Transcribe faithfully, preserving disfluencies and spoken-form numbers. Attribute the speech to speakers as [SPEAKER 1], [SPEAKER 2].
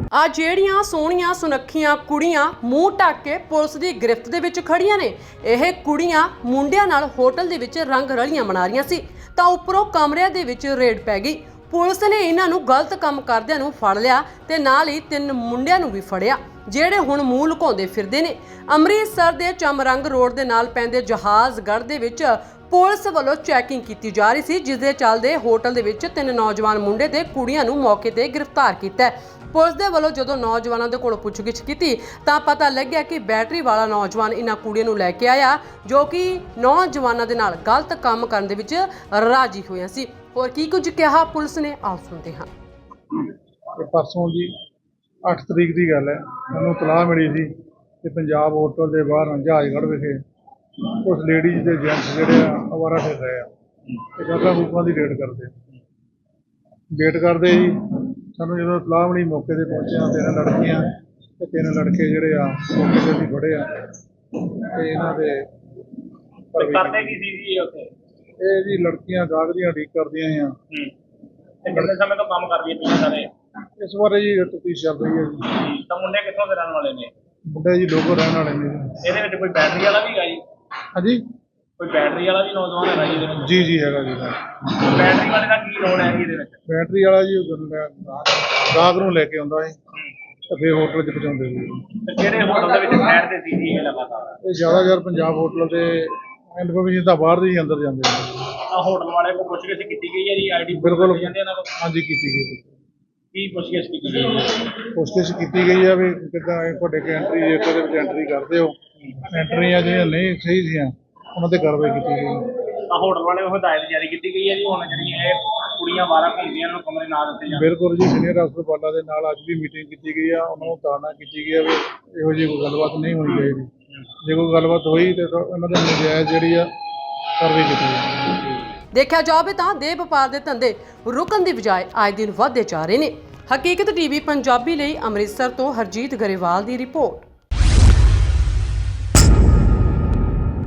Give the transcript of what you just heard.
[SPEAKER 1] ਆ ਜਿਹੜੀਆਂ ਸੋਹਣੀਆਂ ਸੁਨੱਖੀਆਂ ਕੁੜੀਆਂ ਮੂੰਹ ਢੱਕ ਕੇ ਪੁਲਿਸ ਦੀ ਗ੍ਰਿਫਤ ਦੇ ਵਿੱਚ ਖੜੀਆਂ ਨੇ, ਇਹ ਕੁੜੀਆਂ ਮੁੰਡਿਆਂ ਨਾਲ ਹੋਟਲ ਦੇ ਵਿੱਚ ਰੰਗ ਰਲੀਆਂ ਮਨਾ ਰਹੀਆਂ ਸੀ ਤਾਂ ਉੱਪਰੋਂ ਕਮਰਿਆਂ ਦੇ ਵਿੱਚ ਰੇਡ ਪੈ ਗਈ। ਪੁਲਿਸ ਨੇ ਇਹਨਾਂ ਨੂੰ ਗਲਤ ਕੰਮ ਕਰਦਿਆਂ ਨੂੰ ਫੜ ਲਿਆ ਤੇ ਨਾਲ ਹੀ ਤਿੰਨ ਮੁੰਡਿਆਂ ਨੂੰ ਵੀ ਫੜਿਆ ਜਿਹੜੇ ਹੁਣ ਮੂੰਹ ਲੁਕਾਉਂਦੇ ਫਿਰਦੇ ਨੇ। ਅੰਮ੍ਰਿਤਸਰ ਦੇ ਚਮਰੰਗ ਰੋਡ ਦੇ ਨਾਲ ਪੈਂਦੇ ਜਹਾਜ਼ਗੜ੍ਹ ਦੇ ਵਿੱਚ ਪੁਲਿਸ ਵੱਲੋਂ ਚੈਕਿੰਗ ਕੀਤੀ ਜਾ ਰਹੀ ਸੀ, ਜਿਸ ਦੇ ਚੱਲਦੇ ਹੋਟਲ ਦੇ ਵਿੱਚ ਤਿੰਨ ਨੌਜਵਾਨ ਮੁੰਡੇ ਤੇ ਕੁੜੀਆਂ ਨੂੰ ਮੌਕੇ ਤੇ ਗ੍ਰਿਫਤਾਰ ਕੀਤਾ। ਪੁਲਿਸ ਦੇ ਵੱਲੋਂ ਜਦੋਂ ਨੌਜਵਾਨਾਂ ਦੇ ਕੋਲ ਪੁੱਛਗਿੱਛ ਕੀਤੀ ਤਾਂ ਪਤਾ ਲੱਗਿਆ ਕਿ ਬੈਟਰੀ ਵਾਲਾ ਨੌਜਵਾਨ ਇਹਨਾਂ ਕੁੜੀਆਂ ਨੂੰ ਲੈ ਕੇ ਆਇਆ ਜੋ ਕਿ ਨੌਜਵਾਨਾਂ ਦੇ ਨਾਲ ਗਲਤ ਕੰਮ ਕਰਨ ਦੇ ਵਿੱਚ ਰਾਜੀ ਹੋਇਆ ਸੀ। ਹੋਰ ਕੀ ਕੁਝ ਕਿਹਾ ਪੁਲਿਸ ਨੇ, ਆਓ ਸੁਣਦੇ ਹਾਂ।
[SPEAKER 2] परसों जी अठ तरीक की गल है, मैं तलाह मिली थी कि पंजाब होटल के बाहर जहाजगढ़ विखे कुछ लेडीज के जेंट्स जोड़े अवारा फिर रहे हैं, गल्लां गुप्तां की रेड करते वेट करते ही सानू जो तलाह मिली मौके पर पहुंचे, तीन लड़कियां ते तीन लड़के जोड़े आ मौके पर असीं फड़े आ। इन्हां दे
[SPEAKER 3] करदे की सी जी उत्थे?
[SPEAKER 2] ਇਹ ਜੀ ਲੜਕੀਆਂ ਗਾਹਕ ਦੀਆਂ ਉਡੀਕ ਕਰਦੀਆਂ ਆ।
[SPEAKER 3] ਤੇ ਕਿੰਨੇ ਸਮੇਂ ਤੋਂ ਕੰਮ ਕਰਦੀਆਂ ਪਈਆਂ ਸਾਰੇ?
[SPEAKER 2] ਇਸ ਬਾਰੇ ਜੀ ਤਫਤੀਸ਼ ਚੱਲ ਰਹੀ ਹੈ ਜੀ।
[SPEAKER 3] ਤਾਂ ਮੁੰਡੇ ਕਿੱਥੋਂ ਦੇ ਰਹਿਣ ਵਾਲੇ ਨੇ?
[SPEAKER 2] ਮੁੰਡੇ ਜੀ ਲੋਕੋ ਰਹਿਣ ਵਾਲੇ ਨੇ।
[SPEAKER 3] ਇਹਦੇ ਵਿੱਚ ਕੋਈ ਬੈਟਰੀ ਵਾਲਾ ਵੀ ਹੈਗਾ ਜੀ?
[SPEAKER 2] ਹਾਂਜੀ,
[SPEAKER 3] ਕੋਈ ਬੈਟਰੀ ਵਾਲਾ ਵੀ ਨੌਜਵਾਨ ਹੈਗਾ ਜੀ ਇਹਦੇ ਵਿੱਚ?
[SPEAKER 2] ਜੀ ਜੀ ਹੈਗਾ ਜੀ।
[SPEAKER 3] ਬੈਟਰੀ ਵਾਲੇ ਦਾ ਕੀ ਰੋਲ ਹੈ ਜੀ ਇਹਦੇ ਵਿੱਚ?
[SPEAKER 2] ਬੈਟਰੀ ਵਾਲਾ ਜੀ ਗਾਹਕ ਨੂੰ ਲੈ ਕੇ ਆਉਂਦਾ ਹੈ ਤੇ ਫਿਰ ਹੋਟਲ 'ਚ ਪਹੁੰਚਾਉਂਦੇ ਜੀ।
[SPEAKER 3] ਤੇ ਕਿਹੜੇ ਹੋਟਲ ਦੇ ਵਿੱਚ ਠਹਿਰਦੇ ਸੀ ਜੀ ਇਹ ਲਗਾਤਾਰ?
[SPEAKER 2] ਇਹ ਜ਼ਿਆਦਾਤਰ ਪੰਜਾਬ ਹੋਟਲ ਦੇ ਇਨਫੋਰਮੇਸ਼ਨ ਤਾਂ ਬਾਹਰ ਦੇ ਹੀ ਅੰਦਰ ਜਾਂਦੇ ਨੇ।
[SPEAKER 3] ਆ ਹੋਟਲ ਵਾਲੇ ਕੋਲ ਪੁੱਛਗਿੱਛ ਕੀਤੀ ਗਈ ਹੈ ਜੀ? ਆਈਡੀ
[SPEAKER 2] ਬਿਲਕੁਲ
[SPEAKER 3] ਜਾਂਦੇ ਇਹਨਾਂ ਕੋਲ?
[SPEAKER 2] ਹਾਂਜੀ ਕੀਤੀ ਗਈ।
[SPEAKER 3] ਕੀ ਪੁੱਛਗਿੱਛ ਕੀਤੀ ਗਈ ਹੈ?
[SPEAKER 2] ਕੋਸ਼ਿਸ਼ ਕੀਤੀ ਗਈ ਆ ਵੀ ਕਿੱਦਾਂ ਇਹ ਤੁਹਾਡੇ ਕੇ ਐਂਟਰੀ ਜੇ ਉਹਦੇ ਵਿੱਚ ਐਂਟਰੀ ਕਰਦੇ ਹੋ, ਐਂਟਰੀਆਂ ਜਿਹੜੀਆਂ ਨਹੀਂ ਸਹੀ ਸੀਆਂ ਉਹਨਾਂ ਤੇ ਕਾਰਵਾਈ ਕੀਤੀ ਗਈ।
[SPEAKER 3] ਆ ਹੋਟਲ ਵਾਲੇ ਨੂੰ ਹਦਾਇਤ ਜਾਰੀ ਕੀਤੀ ਗਈ ਹੈ ਜੀ ਹੁਣ ਜਿਹੜੀਆਂ ਇਹ ਕੁੜੀਆਂ ਬਾਰਾਂ ਘੁੰਮਦੀਆਂ ਇਹਨਾਂ ਨੂੰ ਕਮਰੇ ਨਾ ਦਿੱਤੇ ਜਾਣ?
[SPEAKER 2] ਬਿਲਕੁਲ ਜੀ, ਸੀਨੀਅਰ ਅਫਸਰ ਬਾਲਾ ਦੇ ਨਾਲ ਅੱਜ ਵੀ ਮੀਟਿੰਗ ਕੀਤੀ ਗਈ ਆ, ਉਹਨਾਂ ਨੂੰ ਤਾੜਨਾ ਕੀਤੀ ਗਈ ਆ ਵੀ ਇਹੋ ਜਿਹੀ ਕੋਈ ਗੱਲਬਾਤ ਨਹੀਂ ਹੋਣੀ ਚਾਹੀਦੀ। ਜੇ ਕੋਈ ਗੱਲਬਾਤ ਹੋਈ ਤੇ ਉਹਨਾਂ ਦੇ ਨਜਾਇਜ਼ ਜਿਹੜੀ ਆ ਕਾਰਵਾਈ ਕੀਤੀ ਜਾਵੇ।
[SPEAKER 1] ਦੇਖਿਆ ਜਾਵੇ ਤਾਂ ਦੇਹ ਵਪਾਰ ਦੇ ਧੰਦੇ ਰੁਕਣ ਦੀ ਬਜਾਏ ਆਏ ਦਿਨ ਵਧਦੇ ਜਾ ਰਹੇ ਨੇ। ਹਕੀਕਤ ਟੀਵੀ ਪੰਜਾਬੀ ਲਈ ਅੰਮ੍ਰਿਤਸਰ ਤੋਂ ਹਰਜੀਤ ਗਰੇਵਾਲ ਦੀ ਰਿਪੋਰਟ।